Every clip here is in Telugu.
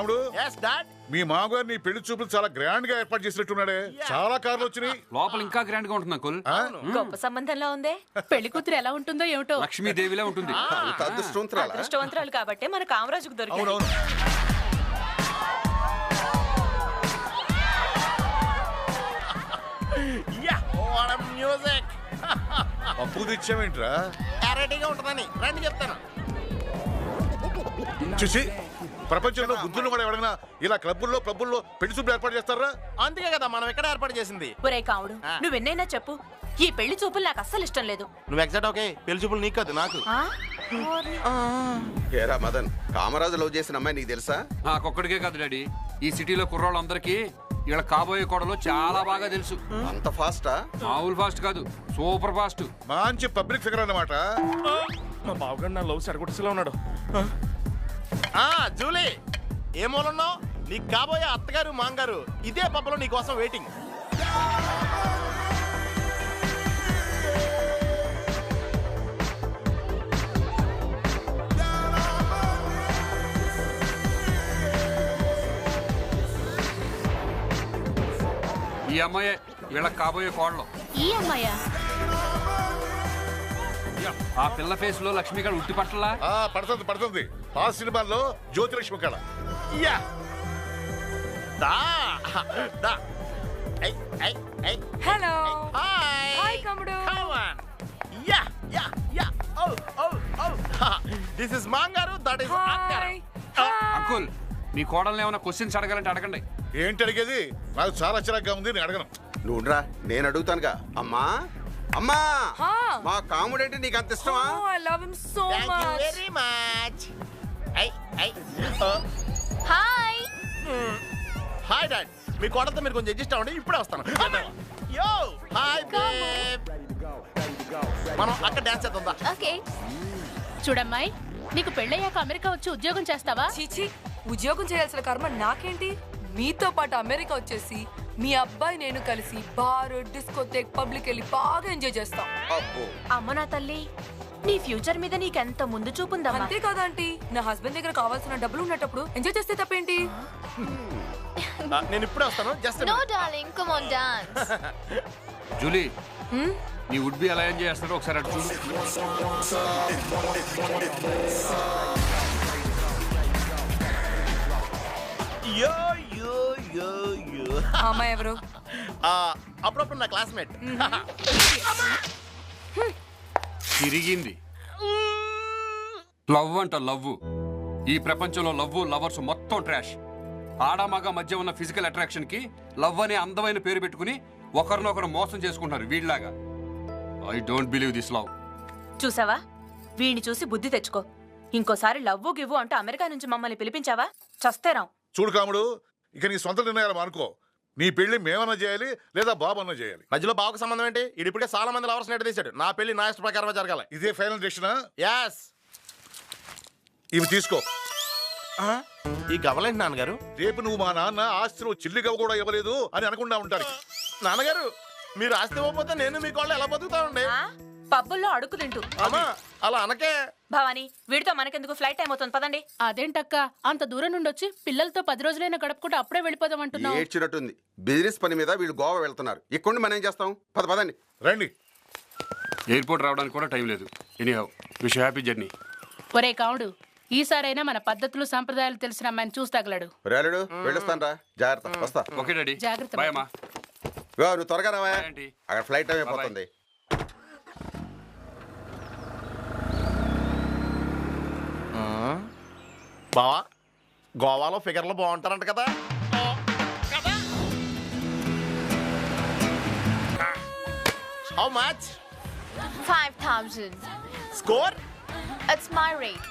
రాముడు yes dad మీ మామగారు నీ పెళ్లి చూపులు చాలా గ్రాండ్ గా ఏర్పాటు చేసినట్టున్నాడే. చాలా కార్లు వచ్చినాయి. లోపల ఇంకా గ్రాండ్ గా ఉంటుంది అంకుల్. గొప్ప సంబంధంలో ఉందే. పెళ్లి కూతురు ఎలా ఉంటుందో ఏమిటో. లక్ష్మీదేవిలా ఉంటుంది. అదృష్టవంతురాలు కాబట్టి మన కామరాజుకు దొరికింది. అవునవును. మ్యూజిక్ అప్పు తెచ్చావేంట్రా? రెడీగా ఉంటుందని రండి చెప్తాను. చూసి ప్రపంచంలో బుద్ధులు కూడా ఎవరైనా ఇలా క్లబ్బుల్లో పబ్బుల్లో పెళ్లి చూపులు ఏర్పాటు చేస్తారా? అందుకే కదా మనం ఎక్కడ ఏర్పాటు చేసింది. ఒరే కావుడు, నువ్వెన్నైనా చెప్పు, ఈ పెళ్లి చూపులు నాకు అస్సలు ఇష్టం లేదు. నువ్వు ఎగ్జాక్ట్ ఓకే. పెళ్లి చూపులు నీకు కాదు నాకు. ఏరా మదన్, కామరాజు లవ్ చేసిన అమ్మాయి నీకు తెలుసా? నాకొక్కడికే కాదు డాడీ, ఈ సిటీలో కుర్రాళ్ళందరికీ ఇలా కాబోయే కోడలు చాలా బాగా తెలుసు. అంత ఫాస్టా? మామూలు ఫాస్ట్ కాదు, సూపర్ ఫాస్ట్. మంచి పబ్లిక్ ఫిగర్ అన్నమాట. మా బావగారు నా లవ్ సరికొట్టేలా ఉన్నాడు. జూలీ ఏ మూలన్నావు? నీకు కాబోయే అత్తగారు మాంగారు ఇదే పబ్బలో నీ కోసం వెయిటింగ్. ఈ అమ్మాయే వీళ్ళ కాబోయే కోడలు. ఈ అమ్మాయా? ఆ పిల్ల ఫేస్ లో లక్ష్మి గారు ఉట్టి పట్టలా పడుతుంది పడుతుంది. ఆ సినిమాల్లో జ్యోతిలక్ష్మి కళ. యా దా దా హలో. హాయ్ హాయ్ కమ్ముడు. Come on. Yeah yeah yeah oh oh oh this is మాంగారు, దట్ ఇస్ అక్కర్. అంకుల్, మీ కోడల్ని ఏమైనా క్వశ్చన్స్ అడగాలంటే అడగండి. ఏంటి అడిగేది? నాకు చాలా చిరాగ్గా ఉంది, నేను అడగను. నువ్వురా, నేను అడుగుతానుగా. అమ్మా అమ్మా, మా కాముడేంటి నీకు అంత ఇష్టమా? I love him so thank you much. Very much. Hi. Hi dad. మీ కోడలతో మీరు కొంచెం అడ్జస్ట్ అవ్వండి, ఇప్పుడే వస్తాను. యో హాయ్ బేబ్. మనం అక్కడ డాన్స్ చేద్దాం. ఓకే. చూడమ్మాయి, నీకు పెళ్ళయ్యాక అమెరికా వచ్చి ఉద్యోగం చేస్తావా? చీచి, ఉద్యోగం చేయాల్సిన కర్మ నాకేంటి? మీతో పాటు అమెరికా వచ్చేసి మీ అబ్బాయి నేను కలిసి బార్, డిస్కోథేక్, పబ్లిక్ వెళ్ళి బాగా ఎంజాయ్ చేస్తాం. అమ్మ నా తల్లి, నీ ఫ్యూచర్ మీద నీకెంత ముందు చూపుందమ్మా. అంతే కదా ఆంటీ, నా హస్బెండ్ దగ్గర కావాల్సిన డబ్బులు ఉన్నప్పుడు ఎంజాయ్ చేస్తే తప్పేంటి? నేను ఇప్పుడే వస్తాను. Just no darling, come on dance. Julie, నీ వుడ్ బి ఎలా ఎంజాయ్ చేస్తాడో ఒకసారి అటు చూడు. యో యో యో యో. అమ్మాయి ఎవరు? అప్పుడప్పుడు నా క్లాస్మేట్. తిరిగింది. లవ్ అంట లవ్. ఈ ప్రపంచంలో లవ్, లవర్స్ మొత్తం ట్రాష్. ఆడమగ మధ్య ఉన్న ఫిజికల్ అట్రాక్షన్ కి లవ్ అనే అందమైన పేరు పెట్టుకుని ఒకరినొకరు మోసం చేసుకుంటారు వీళ్ళలాగా. I don't believe this love. చూసావా, వీడిని చూసి బుద్ధి తెచ్చుకో. ఇంకోసారి లవ్వు గివ్వు అంటూ అమెరికా నుంచి మమ్మల్ని పిలిపించావా చస్తేరాం. చూడు కాముడు, ఇక నీ సొంత నిర్ణయాలు అనుకో. నీ పెళ్లి మేమన్నా చేయాలి లేదా బాబు అన్నా చేయాలి. మధ్యలో బావకు సంబంధం ఏంటి? ఇప్పటికే చాలా మంది లవర్స్ నెట్ తీశాడు. నా పెళ్లి నా ఇష్ట ప్రకారమే జరగాలి. ఇదే ఫైనల్ డెసిషనా? యాస్. ఇవి తీసుకో. ఈ గవలేంటి నాన్నగారు? రేపు నువ్వు మా నాన్న ఆస్తిలో చిల్లిగా కూడా ఇవ్వలేదు అని అనకుండా ఉంటాడు. నాన్నగారు, మీరు ఆస్తి ఇవ్వకపోతే నేను మీ కోళ్ళు ఎలా బతుకుతానండి? పబ్బుల్లో అడుగు తింటూ. అమ్మా అలా అనకే. భవాని, వీడితో మనకెందుకు, ఫ్లైట్ టైం అవుతుంది, పదండి. అదేంటక్క, అంత దూరం నుండి వచ్చి పిల్లలతో 10 రోజులైనా గడుపుకుంటూ అప్పుడే వెళ్ళిపోదాం అంటున్నావు? ఏడ్చినట్టుంది. బిజినెస్ పని మీద వీళ్ళు గోవా వెళ్తున్నారు. ఇక్కడ మనం ఏం చేస్తాం? పదండి. రండి. ఎయిర్పోర్ట్ రావడానికి కూడా టైం లేదు. Anyhow, wish happy journey. ఒరే కావుడు, ఈసారైనా మన పద్ధతులు సంప్రదాయాలు తెలిసిన అమ్మాయిని చూసి తగలడు. రేలుడు వెళ్ళొస్తాను రా, జాగ్రత్త. వస్తా. ఓకే డాడీ, జాగ్రత్త. బాయ్ అమ్మా. నువ్వు త్వరగా రావా, అక్కడ ఫ్లైట్ టైం అయిపోతుంది. బావా, గోవాలో ఫిగర్లు బాగుంటారంట కదా? How much? 5,000. Score? It's my rate.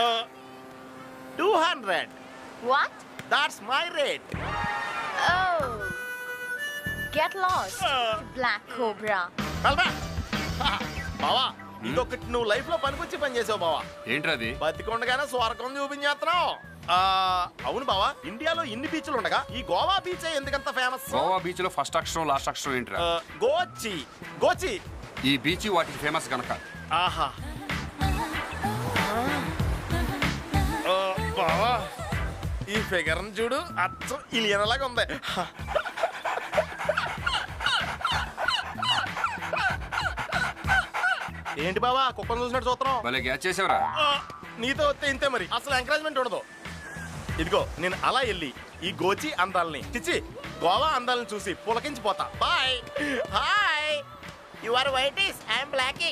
200. What? That's my rate. Oh. Get lost, Black Cobra. బావా, ఇదొకటి నువ్వు లైఫ్ లో పనికొచ్చి పని చేసావు బావా. ఏంట్రది? బతికొండగానే స్వర్గం చూపించేస్తున్నావు. అవును బావా, ఇండియాలో ఇన్ని బీచ్లు ఉండగా ఈ గోవా బీచ్ ఎందుకంత ఫేమస్? గోవా బీచ్ లో ఫస్ట్ అక్షరం లాస్ట్ అక్షరం ఏంట్రా? గోచి. గోచి. ఈ బీచ్ వాటికి ఫేమస్ గనక. ఆహా. బావా, ఈ ఫిగర్ చూడు అచ్చం ఇలియనలాగా ఉంది. ఏంటి బావా కుక్కను చూసినట్టు చూస్తున్నావు? భలే గ్యాచ్ చేసావురా. నీతో వస్తే ఇంతే మరి, అసలు ఎంకరేజ్మెంట్ ఉండదు. ఇదిగో నేను అలా వెళ్ళి ఈ గోచి అందాలని చిచి గోవా అందాలని చూసి పులకించిపోతా. Bye. Hi, you are whitish, I'm blackie.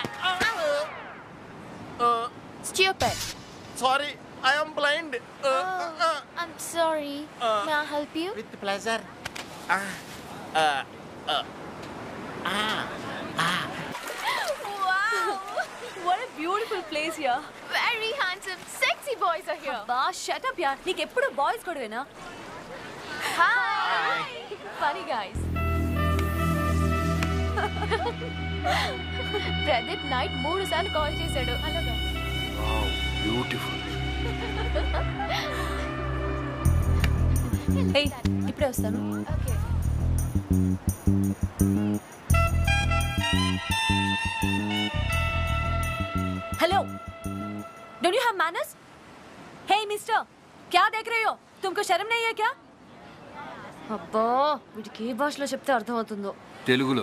Stupid. Sorry, I'm blind. I'm sorry. May I help you? With pleasure. Wow! What a beautiful place here. Very handsome, sexy boys are here. బా షట్ అప్ యార్, నీకు ఎప్పుడు బాయ్స్ గొడవేనా? Hi. Funny guys. Pradeep night 3 సార్లు కాల్ చేశాడు. అలాగా. బ్యూటిఫుల్. ఏయ్, ఇప్పుడే వస్తాను. Okay. Hello, don't you have manners? Hey mister, क्या देख रहे हो? तुमको शर्म नहीं है क्या? అబ్బా, వీడికి ఏ భాషలో చెప్తే అర్థం అవుతుందో. తెలుగులో.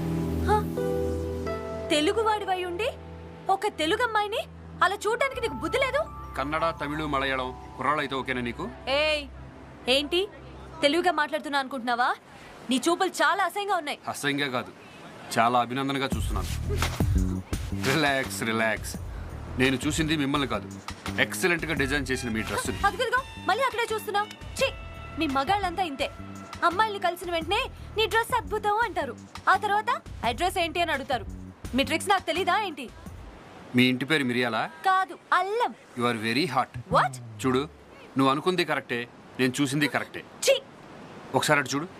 తెలుగు వాడివై ఉండి ఒక తెలుగు అమ్మాయిని అలా చూడడానికి నీకు బుద్ధి లేదు? కన్నడ, తమిళ, మలయాళం కుర్రాళ్ళు అయితే ఓకేనా నీకు? ఏయ్, ఏంటి తెలుగుగా మాట్లాడుతున్నా అనుకుంటున్నావా? నీ చూపులు చాలా అసహ్యంగా ఉన్నాయి. అసహ్యంగా కాదు, చాలా అభినందనగా చూస్తున్నాను. Relax relax. నేను చూసింది మిమ్మల్ని కాదు, ఎక్సలెంట్ గా డిజైన్ చేసిన మీ డ్రెస్. అదిగదిగో మళ్ళీ అక్కడే చూస్తున్నావు. ఛీ, మీ మగాళ్ళంతా ఇంతే. అమ్మాయిల్ని కలిసిన వెంటనే నీ డ్రెస్ అద్భుతం అంటారు, ఆ తర్వాత అడ్రస్ ఏంటి అని అడుగుతారు. మీ ట్రిక్స్ నాకు తెలీదా ఏంటి? మీ ఇంటి పేరు మిరియాలా? కాదు, అల్లం. You are very hot. What? చూడు, నువ్వు అనుకుంది కరెక్టే, నేను చూసింది కరెక్టే. ఛీ, ఒకసారి అటు చూడు.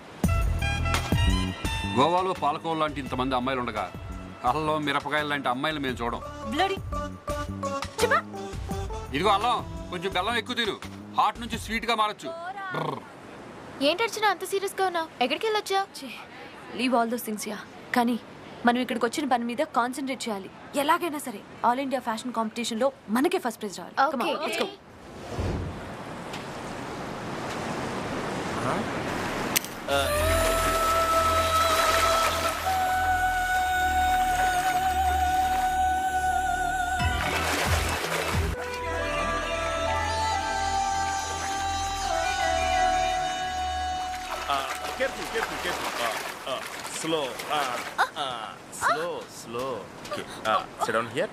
గోవాలో పాలకోవ లాంటి ఇంతమంది అమ్మాయిలు ఉండగా అల్లం మిరపకాయలు లాంటి అమ్మాయిలు మేము చూడం. బ్లడీ. చెప్పా. ఇదిగో అల్లం, కొంచెం బెల్లం ఎక్కువ తిను, హాట్ నుంచి స్వీట్ గా మారచ్చు. ఏంటి అర్చన అంత సీరియస్ గా ఉన్నావు? ఎక్కడికి వెళ్ళొచ్చా? Leave all those things yeah. కానీ మనం ఇక్కడికి వచ్చిన పని మీద కాన్సన్ట్రేట్ చేయాలి. ఎలాగైనా సరే ఆల్ ఇండియా ఫ్యాషన్ కాంపిటీషన్ లో మనకే ఫస్ట్ ప్రైజ్ రావాలి. Come on, let's go. Careful, careful, careful. Slow. Slow. Okay. Sit down here.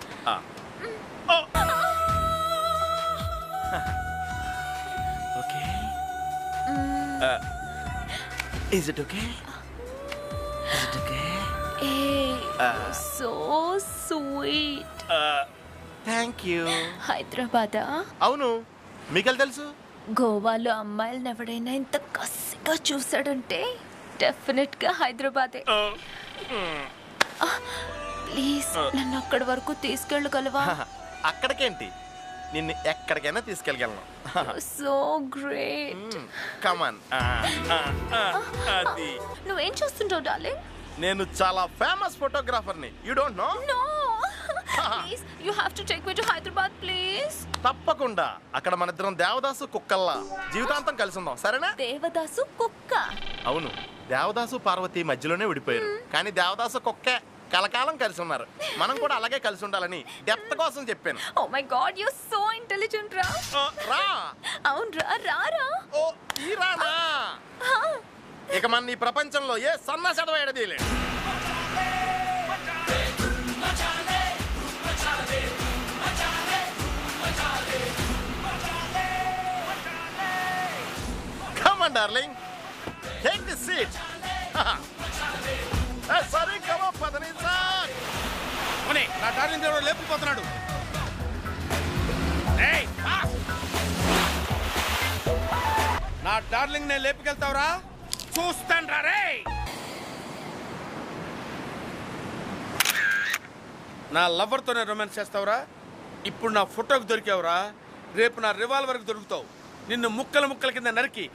Okay. Is it okay? Is it okay? So sweet. Thank you. హైదరాబాదా? అవును, మీకెళ్ళి తెలుసు. గోవాలో అమ్మాయిలను ఎవడైనా ఇంత కసిగా చూసాడంటే డెఫినెట్ గా హైదరాబాదే. ప్లీజ్ నన్ను అక్కడి వరకు తీసుకెళ్ళగలవా? అక్కడికేంటి, నిన్ను ఎక్కడికైనా తీసుకెళ్ళగలను. So great. కమాన్. అది నువ్వేం చూస్తుంటావు డార్లింగ్? నేను చాలా ఫేమస్ ఫోటోగ్రాఫర్ని. You don't know? No, please you have to take me to Hyderabad please. తప్పకుండా. అక్కడ మన ఇద్దరం దేవదాసు కుక్కల్లా జీవితాంతం కలిసి ఉందాం, సరేనా? దేవదాసు కుక్క? అవును, దేవదాసు పార్వతి మధ్యలోనే విడిపోయారు, కానీ దేవదాసు కుక్కే కలకాలం కలిసి ఉన్నారు. మనం కూడా అలాగే కలిసి ఉండాలని డెప్త్ కోసం చెప్పాను. Oh my god, you are so intelligent రా. రా. అవును రా, రారా. ఓ ఈ రానా? ఇక మన ఈ ప్రపంచంలో ఏ సన్న చదవేయడదీలేదు. Come on, darling. Take the seat. Sorry, come on, Padanisa. నా డార్లింగ్ దేవుడు లేపుకుపోతున్నాడు. నా డార్లింగ్ నేను లేపుకెళ్తావురా? చూస్తాను రా రే. నా లవర్తోనే రొమాన్స్ చేస్తావురా? ఇప్పుడు నా ఫోటోకి దొరికావురా, రేపు నా రివాల్వర్కి దొరుకుతావు. నిన్ను ముక్కల ముక్కల కింద నరికి